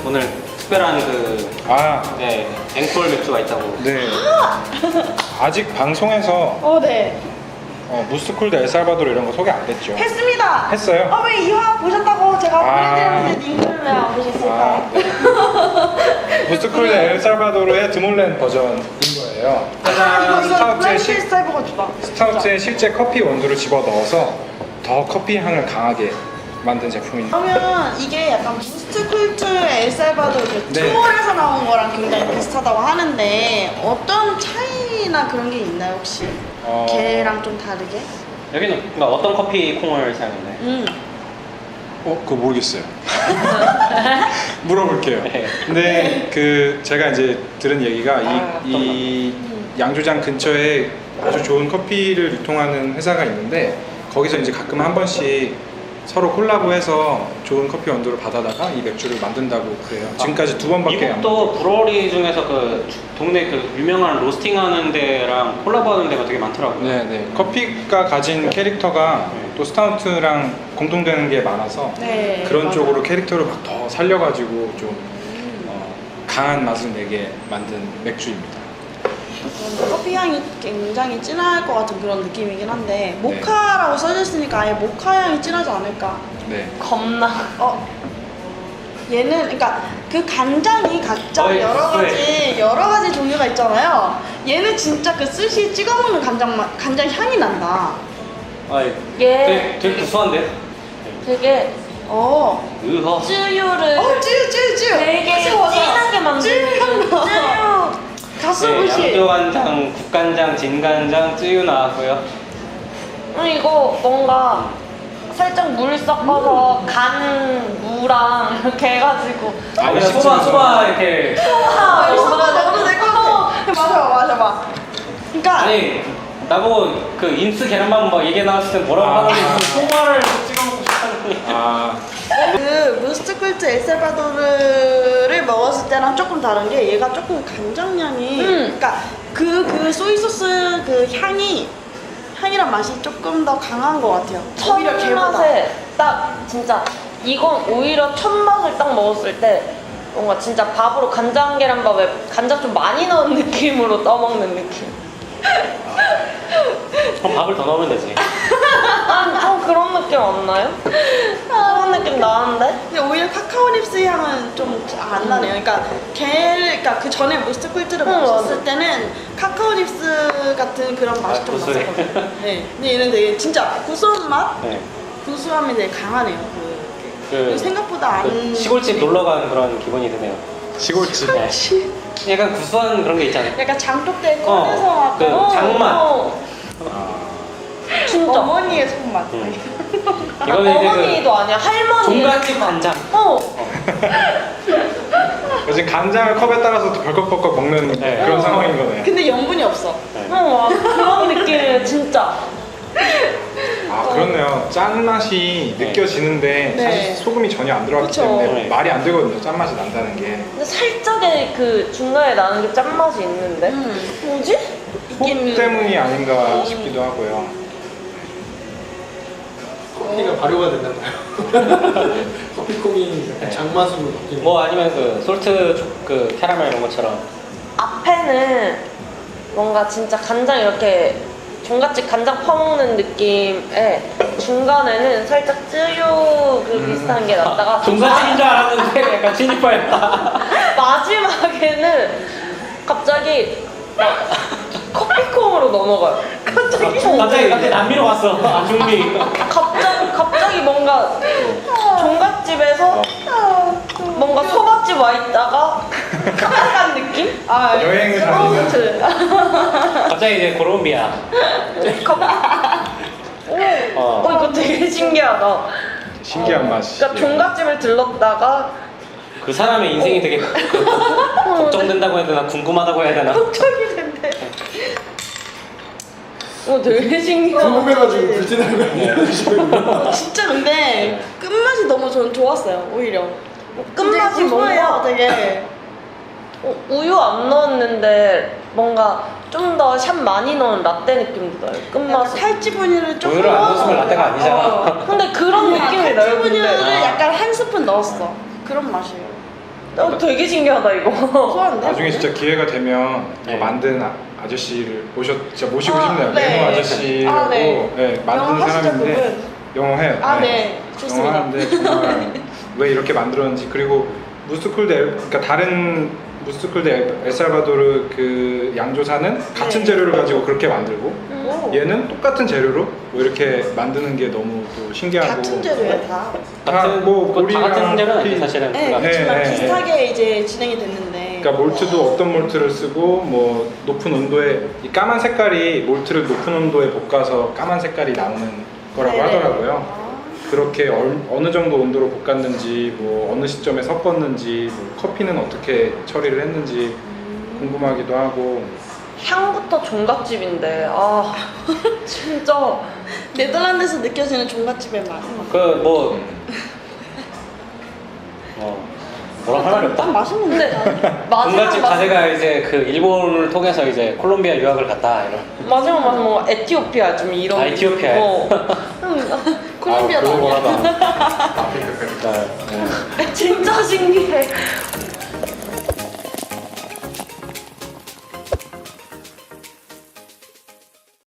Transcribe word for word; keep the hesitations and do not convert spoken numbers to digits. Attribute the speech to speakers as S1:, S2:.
S1: 오늘 특별한 그
S2: 아,
S1: 네, 앵콜 맥주가 있다고.
S2: 네. 아직 방송에서
S3: 어, 네.
S2: 어, 무스쿨드 엘살바도르 이런 거 소개 안 됐죠?
S3: 했습니다.
S2: 했어요?
S3: 아, 왜 이화 보셨다고 제가
S2: 아.
S3: 보내드렸는데 님들은 왜 안 보셨을까요?
S2: 아, 네. 무스쿨드 엘살바도르의 드몰렌 버전인 거예요.
S3: 아, 이거, 이거
S2: 스타우트의,
S3: 블렌드
S2: 실,
S3: 스타일버가 주다.
S2: 스타우트의 실제 커피 원두를 집어 넣어서 더 커피 향을 강하게 만든 제품입니다.
S3: 그러면 이게 약간 부스트 쿨트 엘살바도르 그
S2: 네.
S3: 투어에서 나온 거랑 굉장히 비슷하다고 하는데 어떤 차이나 그런 게 있나요 혹시?
S2: 어...
S3: 걔랑 좀 다르게?
S1: 여기는 그러니까 어떤 커피 콩을 사용했나요?
S3: 음.
S2: 어, 그거 모르겠어요. 물어볼게요.
S1: 네.
S2: 근데 그 제가 이제 들은 얘기가 이,
S1: 아,
S2: 이 양조장 근처에 아주 좋은 커피를 유통하는 회사가 있는데 거기서 이제 가끔 한 번씩 서로 콜라보해서 좋은 커피 원두를 받아다가 이 맥주를 만든다고 그래요. 지금까지 두 번밖에 안.
S1: 미국도 브로리 중에서 그 주- 동네 그 유명한 로스팅하는 데랑 콜라보하는 데가 되게 많더라고요.
S2: 네네. 커피가 가진 캐릭터가 또 스타우트랑 공통되는 게 많아서
S3: 네.
S2: 그런
S3: 맞아요.
S2: 쪽으로 캐릭터를 막 더 살려가지고 좀 어, 강한 맛을 내게 만든 맥주입니다.
S3: 커피 향이 굉장히 진할 것 같은 그런 느낌이긴 한데 모카라고 써져 있으니까 아예 모카 향이 진하지 않을까?
S2: 네.
S4: 겁나.
S3: 어 얘는 그러니까 그 간장이 각자
S1: 어이,
S3: 여러
S1: 네.
S3: 가지 여러 가지 종류가 있잖아요. 얘는 진짜 그 스시 찍어 먹는 간장 맛 간장 향이 난다.
S1: 아,
S4: 얘
S1: 되게, 되게 구수한데?
S4: 되게
S3: 어.
S1: 으허.
S4: 쯔유를
S3: 어 쭈쭈쭈.
S4: 되게 진하게 만드는 그 쯔유.
S3: 가스부시.
S1: 네, 양조간장, 국간장, 진간장, 쯔유 나왔고요.
S4: 음, 이거 뭔가 살짝 물 섞어서 간 무랑 이렇게 해가지고
S1: 아, 그냥 소바, 소바 이렇게.
S4: 아,
S3: 여기서
S4: 뭔가
S3: 넣어도 될 것 같아. 맞아 맞아 맞아. 그러니까
S1: 아니, 나보고 그 인스 계란밥 막 얘기 나왔을 때 뭐라고
S2: 아.
S1: 하는지 소바를 찍어 먹고 싶다는
S2: 아,
S3: 그 무스트쿨트 엘살바도르를 먹었을 때랑 조금 다른 게 얘가 조금 간장향이
S4: 음.
S3: 그러니까 그 그 소이소스 그 향이 향이란 맛이 조금 더 강한 것 같아요. 오히려
S4: 첫
S3: 걔보다.
S4: 맛에 딱 진짜 이건 오히려 첫 맛을 딱 먹었을 때 뭔가 진짜 밥으로 간장 계란밥에 간장 좀 많이 넣은 느낌으로 떠먹는 느낌.
S1: 그럼 밥을 더 넣으면 되지.
S4: 아, 좀 그런 느낌 안 나요? 그런 느낌 나는데?
S3: 근데 오히려 카카오 닙스 향은 좀 안 나네요. 그러니까 걔, 그러니까 그 전에 무스트쿨트를
S4: 응,
S3: 먹었을
S4: 맞아.
S3: 때는 카카오 닙스 같은 그런 맛이
S1: 아,
S3: 좀
S1: 구수해.
S3: 났었거든요. 네. 근데 얘는 되게 진짜 구수한 맛,
S1: 네.
S3: 구수함이 되게 강하네요. 그,
S1: 그,
S3: 그리고 생각보다 안
S1: 그 시골집 놀러 간 그런 기분이 드네요.
S2: 시골집.
S1: 네. 약간 구수한 그런 게 있잖아요.
S3: 약간 장독대에
S1: 어,
S3: 꺼내서 막
S1: 그
S3: 어,
S1: 장맛.
S4: 어,
S2: 아,
S4: 진짜.
S3: 어머니의 손맛.
S1: 음.
S4: 아,
S1: 이거는 이제
S4: 어머니도 아니야,
S1: 그
S4: 할머니.
S1: 종갓집 간장.
S4: 어.
S2: 요즘 간장을 컵에 따라서 또 벌컥벌컥 먹는
S1: 네.
S2: 그런
S3: 어.
S2: 상황인 거네요.
S3: 근데 염분이 없어.
S1: 네.
S4: 어, 그런 느낌이에요, 진짜.
S2: 아, 그렇네요. 짠맛이
S1: 네.
S2: 느껴지는데
S3: 네.
S2: 사실 소금이 전혀 안 들어갔기
S3: 그쵸.
S2: 때문에
S1: 네.
S2: 말이 안 되거든요. 짠맛이 난다는 게.
S4: 근데 살짝의 그 중간에 나는 게 짠맛이 있는데?
S3: 음.
S4: 뭐지?
S2: 속
S3: 있긴-
S2: 때문이 아닌가 싶기도 하고요.
S5: 커피가 발효가 됐나 봐요. 커피콩이 약간
S1: 네.
S5: 장맛으로 바뀌는
S1: 뭐 아니면 그 솔트 초- 그 캐러멜 이런 것처럼.
S4: 앞에는 뭔가 진짜 간장 이렇게 종갓집 간장 퍼먹는 느낌에 중간에는 살짝 쯔유 그 비슷한 게 났다가
S1: 종갓집인 줄 알았는데 약간 진입하였다.
S4: 마지막에는 갑자기 막 커피콩으로 넘어가요. 갑자기
S1: 갑자기 갑자기 남미로 갔어. 아, 중미.
S4: 갑자기 갑자기 뭔가 종갓집에서 뭔가 소밥집 와 있다가 카페 느낌?
S3: 아,
S2: 여행을 다니는.
S4: 스마트.
S1: 갑자기 이제 콜롬비아.
S4: 어, 어 이거 되게 신기하다.
S2: 신기한 맛이.
S4: 그러니까 종갓집을 들렀다가
S1: 그 사람의 인생이 되게 그, 걱정된다고 해야 되나 궁금하다고 해야 되나.
S4: 걱정이 된대. 어 되게 신기하다.
S5: 궁금해가지고 불티나는 거 아니에요?
S3: 어, 진짜 근데 끝맛이 너무 저는 좋았어요. 오히려.
S4: 끝맛이
S3: 고소해요,
S4: 뭔가
S3: 되게.
S4: 어, 우유 안 넣었는데 뭔가 좀 더 샷 많이 넣은 라떼 느낌도 나요.
S3: 약간
S4: 끝맛이.
S3: 탈지분유를 좀
S1: 우유를 안 넣었으면 라떼가 아니잖아.
S3: 어.
S4: 근데 그런 느낌이 나요.
S3: 탈지분유를
S4: 근데
S1: 아.
S3: 약간 한 스푼 넣었어. 그런 맛이에요.
S4: 어, 되게 신기하다 이거.
S3: 소한데?
S2: 나중에 진짜 기회가 되면
S1: 네.
S2: 그 만든 아, 아저씨를 모셔 진짜 모시고
S3: 아,
S2: 싶네요.
S3: 네.
S2: 레노 아저씨라고
S3: 아, 네.
S2: 네, 만든
S3: 영어 하시죠,
S2: 사람인데
S3: 그분?
S2: 영어 해요.
S3: 아, 네. 좋습니다.
S2: 영어 하는데 정말 왜 이렇게 만들었는지, 그리고 무스쿨드 엘, 그러니까 다른 무스쿨드 엘- 엘살바도르 그 양조사는 같은
S3: 네.
S2: 재료를 가지고 그렇게 만들고
S3: 오.
S2: 얘는 똑같은 재료로 뭐 이렇게 만드는 게 너무 또 신기하고
S3: 같은 재료예요, 다.
S2: 다 뭐
S1: 그거 다 같은
S2: 우리랑
S1: 재료는 아니지
S2: 커피-
S1: 사실은.
S3: 네,
S1: 그러니까
S3: 그렇지만
S2: 네,
S3: 비슷하게 이제 진행이 됐는데.
S2: 그러니까 몰트도 어떤 몰트를 쓰고 뭐 높은 온도에 이 까만 색깔이 몰트를 높은 온도에 볶아서 까만 색깔이 나오는 거라고
S3: 네네.
S2: 하더라고요.
S3: 아.
S2: 그렇게 얼- 어느 정도 온도로 볶았는지, 뭐 어느 시점에 섞었는지, 뭐 커피는 어떻게 처리를 했는지 궁금하기도 하고.
S4: 향부터 종갓집인데 아 진짜
S3: 네덜란드에서 느껴지는 종갓집의 맛.
S1: 그뭐 어, 뭐라 할 말이
S3: 딱
S1: 없다.
S3: 맛있는
S4: 근데
S3: 데
S4: 마지막
S1: 종갓집
S4: 맛
S1: 자제가 이제 그 일본을 통해서 이제 콜롬비아 유학을 갔다 이런.
S4: 마지막 맛은 뭔가 에티오피아 좀 이런
S1: 아, 에티오피아에?
S4: 어.
S3: 콜롬비아도
S1: 아, 그런 거
S3: 아니야.
S1: 하다.
S5: 아프리카
S1: 네.
S4: 진짜 신기해